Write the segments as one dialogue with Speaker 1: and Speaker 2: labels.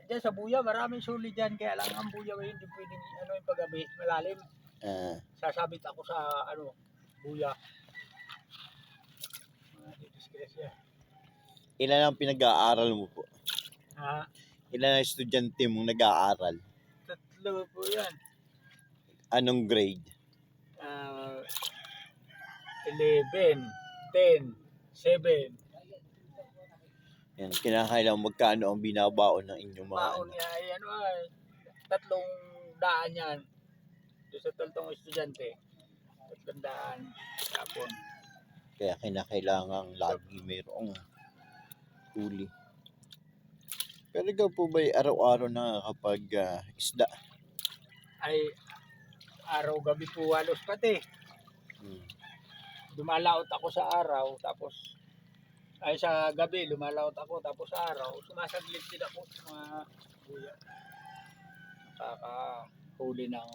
Speaker 1: Diyan sa buya, maraming suli dyan. Kaya lang ang buya hindi pwedeng ano yung paggabi, malalim. Sasabit ako sa buya. Disgrasya.
Speaker 2: Ilan ang pinag-aaral mo po?
Speaker 1: Ha?
Speaker 2: Ilan ang estudyante mong nag-aaral?
Speaker 1: 3 po yan.
Speaker 2: Anong grade?
Speaker 1: 11, 10, 7.
Speaker 2: Yan, kinakailangan magkano ang binabaon ng inyong mga
Speaker 1: Baon niya ay 300 yan. Doon sa 3 estudyante. 300 tapon.
Speaker 2: Kaya kinakailangan lagi mayroong huli. Pero ikaw po ba araw-araw na kapag isda?
Speaker 1: Ay araw gabi po halos pati. Lumalaot ako sa araw tapos ay sa gabi lumalaot ako tapos sa araw sumasaglit din ako sa mga buya. Nakakahuli ng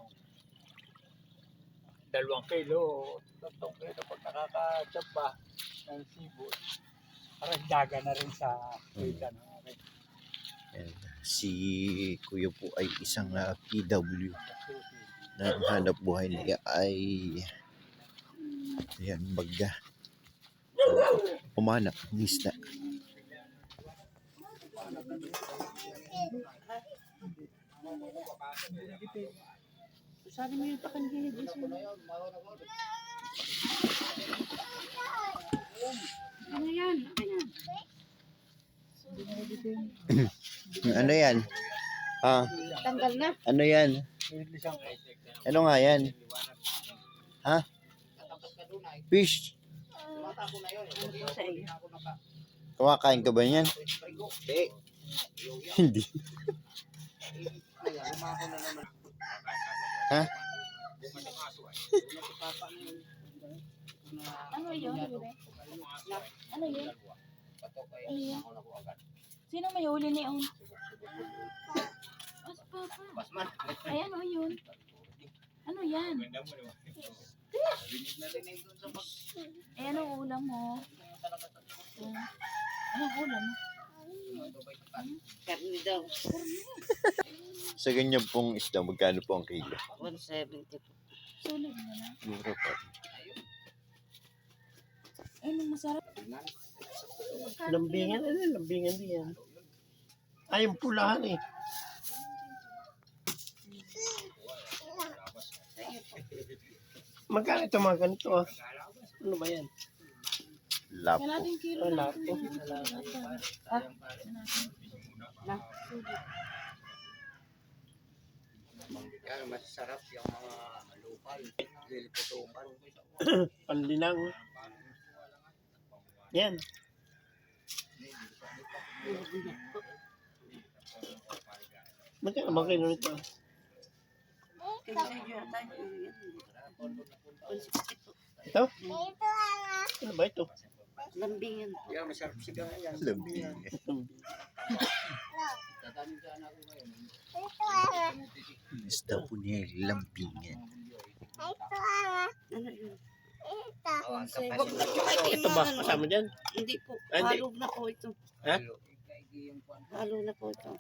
Speaker 1: 2 kilo, 3 kilo pag nakaka-chapa ng sibol. Parang daga na rin sa kita ng akin.
Speaker 2: Si Kuya po ay isang PW na ang hanap buhay niya ay yan, baga umanap ng isda.
Speaker 3: Sabi mo yung pakandinig is mo. Ano yan?
Speaker 2: Ano yan?
Speaker 3: Tanggal na.
Speaker 2: Ano yan? Ano nga yan? Ha? Fish?
Speaker 3: Sa iyo.
Speaker 2: Kumakain ka ba yan? Hindi. Ha?
Speaker 3: Ano yun? Ano yun? Ano yun? Sino may huli ni On? Papa. Ay, ano yun? Ano yan? Eh, anong ulam mo? Anong ulam mo?
Speaker 4: Karni daw.
Speaker 2: Sa ganyan pong isda, magkano po ang kilo?
Speaker 4: 170 po.
Speaker 3: Sulit mo na.
Speaker 2: Mura pa.
Speaker 3: Ay, nung masarap.
Speaker 5: Lambingan, lambingan din yan. Ay, yung pulahan eh. Magkano ito mga ganito ah? Ano ba yan?
Speaker 2: Lapo.
Speaker 3: Kalating kilo
Speaker 5: Wala
Speaker 3: lang.
Speaker 5: po.
Speaker 1: Yan, masarap yung mga lokal. Liliputukan.
Speaker 5: Panlinang. Yan. Magkano ba kayo nito?
Speaker 4: Kasi yun,
Speaker 5: Ito? Ano ba ito?
Speaker 4: lambingan po.
Speaker 1: Yan, masarap siya yan.
Speaker 2: Lambing. Isda po niya ay lambingan.
Speaker 4: Ano yun?
Speaker 5: Ito ba? Kasama dyan?
Speaker 4: Hindi po.
Speaker 5: Ah, hindi.
Speaker 4: Halo na po ito.
Speaker 5: Ha?
Speaker 4: Halo na po ito.